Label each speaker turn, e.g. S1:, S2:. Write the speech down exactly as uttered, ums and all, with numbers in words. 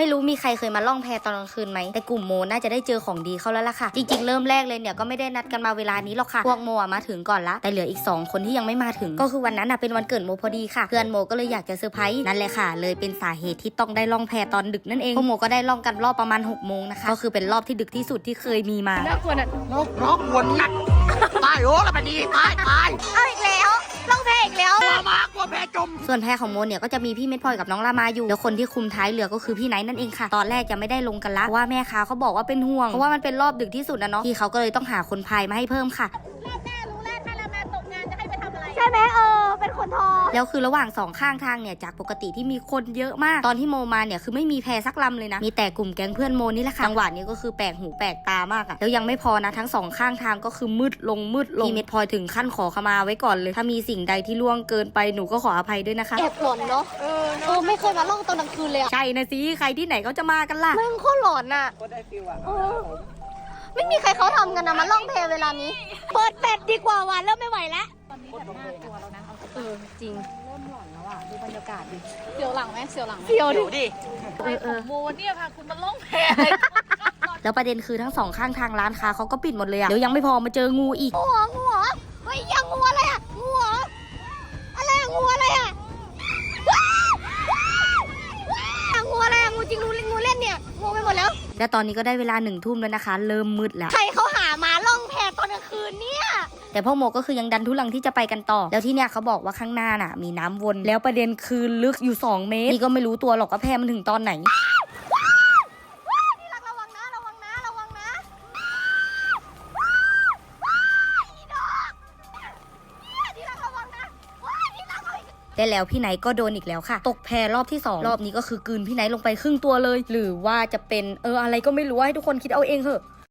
S1: ไม่รู้มีใครเคยมาล่องแพตอนกลางคืนไหมแต่กลุ่มโมน่าจะได้เจอของดีเข้าแล้วล่ะค่ะจริงๆเริ่มแรกเลยเนี่ยก็ไม่ได้นัดกันมาเวลานี้หรอกค่ะพวกโมมาถึงก่อนละแต่เหลืออีกสองคนที่ยังไม่มาถึงก็คือวันนั้นเป็นวันเกิดโมพอดีค่ะเพื่อนโมก็เลยอยากจะเซอร์ไพรส์นั่นแหละค่ะเลยเป็นสาเหตุที่ต้องได้ล่องแพตอนดึกนั่นเองพวกโมก็ได้ล่องกันรอบประมาณหกโมงนะคะก็คือเป็นรอบที่ดึกที่สุดที่เคยมีมา
S2: น่ากลัวน่ะ
S3: นกนกวนนักตายโอ้แล้วมันดีตายตาย
S2: เอาอีกแล้วล่องแพอีกแล้ว
S3: มามากลัวแพจม
S1: ส่วนแพของโมเนี่ยก็จะมีพี่เม็ดพลอยกับน้องลามาอยู่แล้วคนที่คุมท้ายเรือก็คือพี่ไนท์นั่นเองค่ะตอนแรกจะไม่ได้ลงกันละเพราะว่าแม่ค้าเขาบอกว่าเป็นห่วงเพราะว่ามันเป็นรอบดึกที่สุดนะเนาะพี่เขาก็เลยต้องหาคนพายมาให้เพิ่มค่ะ
S2: รอบหน้ารู้แล้วถ้าเรามาตกงานจะให้ไปทำอะไรใช่ไหมเออเป็นคนทอ
S1: แล้วคือระหว่างสองข้างทางเนี่ยจากปกติที่มีคนเยอะมากตอนที่โมมาเนี่ยคือไม่มีแพสักลำเลยนะมีแต่กลุ่มแก๊งเพื่อนโมนี่แหละค่ะจังหวะนี้ก็คือแปลกหูแปลกตามากอะแล้วยังไม่พอนะทั้งสองข้างทางก็คือมืดลงมืดลงพี่เม็ดพลอยถึงขั้นขอขมาไว้ก่อนเลยถ้ามีสิ่งใดที่ล่วงเกินไปหนูก็ขออภัยด้วยนะคะ
S2: แอบหลอนเนาะเออเออไม่เคยมาล่องตอนกลางคืนเลยอะ
S1: ใช่นะสิใครที่ไหนเขาจะมากันล่ะ
S2: มึงโคตรหลอนอะก็ได้ฟิลอะไม่มีใครเขาทำกันนะมาล่องเพลเวลานี้เปิดแปดดีกว่าว่ะเริ่มไม่ไหวแล้วตอนนี้แบบน่ากลัวแล้วนะเออจริง
S4: เริ่มหลอนแล้วอ่ะดูบรรยากาศดิ
S2: เสียวหลังไหมเสียวหลังเสียวดิ
S4: ไปของโมเนี่ยพาคุณมาล่องแพ
S1: แล้วประเด็นคือทั้งสองข้างทางร้านค้าเขาก็ปิดหมดเลยอะเดี๋ยวยังไม่พอมาเจองูอีก
S2: งูงูเฮ้ยยังงูอะไรอะงูอะไรอะงูอะไรอะงูอะไรอะงูจริงงูงูเล่นเนี่ยงูไปหมดแล้ว
S1: แล้วตอนนี้ก็ได้เวลาหนึ่งทุ่มแล้วนะคะเริ่มมืดแล้ว
S2: ใครเขาหามาล่องแพตอนกลางคืนเนี่ย
S1: แต่พ่อโมก็คือยังดันทุลังที่จะไปกันต่อแล้วที่เนี่ยเขาบอกว่าข้างหน้าน่ะมีน้ำวนแล้วประเด็นคือลึกอยู่สองเมตรนี่ก็ไม่รู้ตัวหรอกว่าแพมันถึงตอนไหน
S2: ระวังนะระวังนะระวังนะ
S1: ได้แล้วพี่ไนท์ก็โดนอีกแล้วค่ะตกแพรอบที่สองรอบนี้ก็คือกลืนพี่ไนท์ลงไปครึ่งตัวเลยหรือว่าจะเป็นเอออะไรก็ไม่รู้ให้ทุกคนคิดเอาเองเถอะ